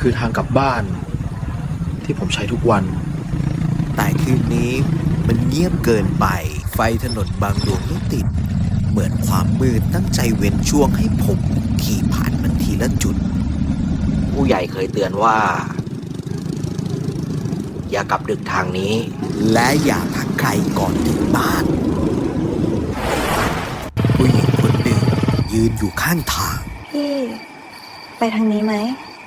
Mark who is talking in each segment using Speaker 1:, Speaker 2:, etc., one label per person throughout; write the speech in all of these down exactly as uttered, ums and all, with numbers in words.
Speaker 1: คือทางกลับบ้านที่ผมใช้ทุกวัน
Speaker 2: แต่คืนนี้มันเงียบเกินไปไฟถนนบางดวงไม่ติดเหมือนความมืดตั้งใจเว้นช่วงให้ผมขี่ผ่านมันทีละจุด
Speaker 3: ผู้ใหญ่เคยเตือนว่าอย่ากลับดึกทางนี้
Speaker 2: และอย่าทักใครก่อนถึงบ้านผู้หญิงคนหนึ่งยืนอยู่ข้างทาง
Speaker 4: พี่ไปทางนี้ไหม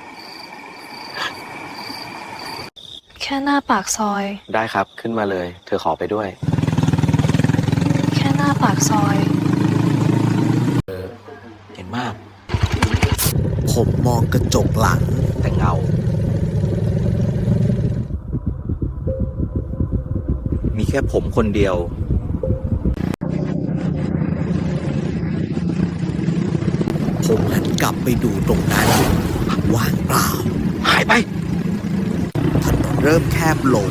Speaker 4: แค่หน้าปากซอย
Speaker 3: ได้ครับขึ้นมาเลยเธอขอไปด้วย
Speaker 4: แค่หน้าปากซอย
Speaker 3: เออเห็นมาก
Speaker 2: ผมมองกระจกหลัง
Speaker 3: แต่เงามีแค่ผมคนเดียว
Speaker 2: ผมหันกลับไปดูตรงนั้นว่างเปล่า
Speaker 3: หายไป
Speaker 2: ถนนเริ่มแคบลง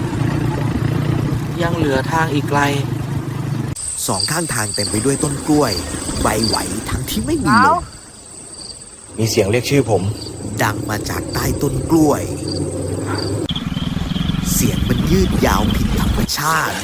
Speaker 3: ยังเหลือทางอีกไกล
Speaker 2: สองข้างทางเต็มไปด้วยต้นกล้วยใบไหวทั้งที่ไม่มีลม
Speaker 3: มีเสียงเรียกชื่อผม
Speaker 2: ดังมาจากใต้ต้นกล้วยเสียงมันยืดยาวผิดธรรมชาติ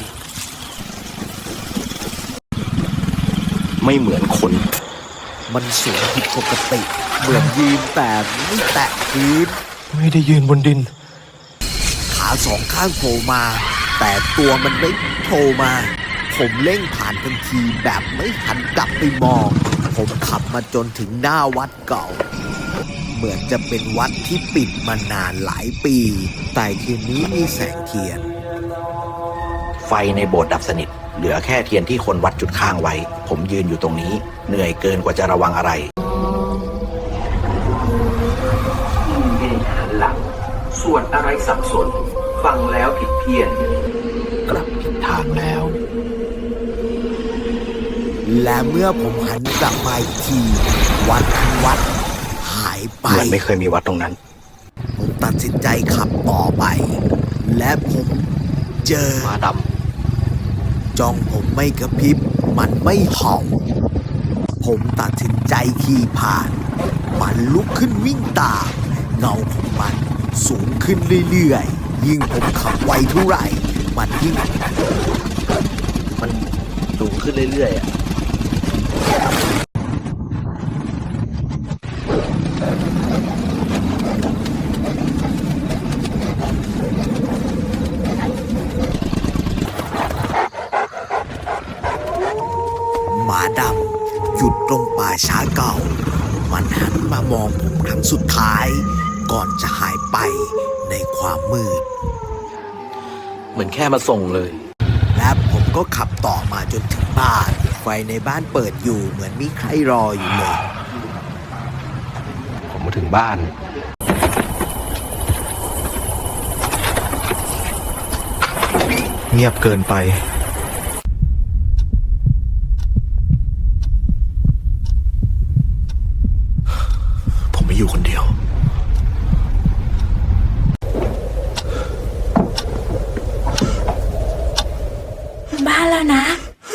Speaker 3: ไม่เหมือนคน
Speaker 2: มันสูงผิดปกติเหมือนยืนแต่ไม่แตะพื้น
Speaker 1: ไม่ได้ยืนบนดิน
Speaker 2: ขาสองข้างโผล่มาแต่ตัวมันไม่โผล่มาผมเร่งผ่านทันทีแบบไม่หันกลับไปมองผมขับมาจนถึงหน้าวัดเก่าเหมือนจะเป็นวัดที่ปิดมานานหลายปีแต่คืนนี้มีแสงเทียน
Speaker 3: ไฟในโบสถ์ดับสนิทเหลือแค่เทียนที่คนวัดจุดข้างไว้ผมยืนอยู่ตรงนี้เหนื่อยเกินกว่าจะระวังอะไร
Speaker 5: เดินหันหลังส่วนอะไรสับสนฟังแล้วผิดเพี้ยน
Speaker 3: กลับผิดทางแล้ว
Speaker 2: และเมื่อผมหันกลับมาอีกทีวัดทั้งวัดหายไป
Speaker 3: เหมือนไม่เคยมีวัดตรงนั้น
Speaker 2: ผมตัดสินใจขับต่อไปและผมเจอ
Speaker 3: หมาด
Speaker 2: ำจ้องผมไม่กระพริบมันไม่เห่าผมตัดสินใจขี่ผ่านมันลุกขึ้นวิ่งตามเงาของมันสูงขึ้นเรื่อยๆยิ่งผมขับไวเท่าไหร่มันยิ่ง
Speaker 3: มันสูงขึ้นเรื่อยๆอ่ะ
Speaker 2: หมาดำหยุดตรงป่าช้าเก่ามันหันมามองผมครั้งสุดท้ายก่อนจะหายไปในความมืด
Speaker 3: เหมือนแค่มาส่งเลย
Speaker 2: และผมก็ขับต่อมาจนถึงบ้านไฟในบ้านเปิดอยู่เหมือนมีใครรออยู่เลย
Speaker 3: ผมมาถึงบ้าน
Speaker 1: เงียบเกินไปผมไม่อยู่คนเดียว
Speaker 4: บ้านแล้วนะ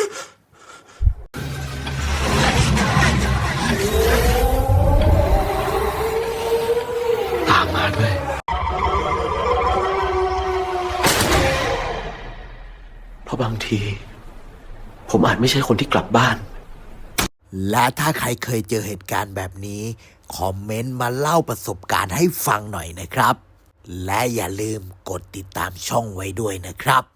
Speaker 3: ตามมาด้วยเพราะบางทีผมอาจไม่ใช่คนที่กลับบ้าน
Speaker 2: และถ้าใครเคยเจอเหตุการณ์แบบนี้คอมเมนต์มาเล่าประสบการณ์ให้ฟังหน่อยนะครับและอย่าลืมกดติดตามช่องไว้ด้วยนะครับ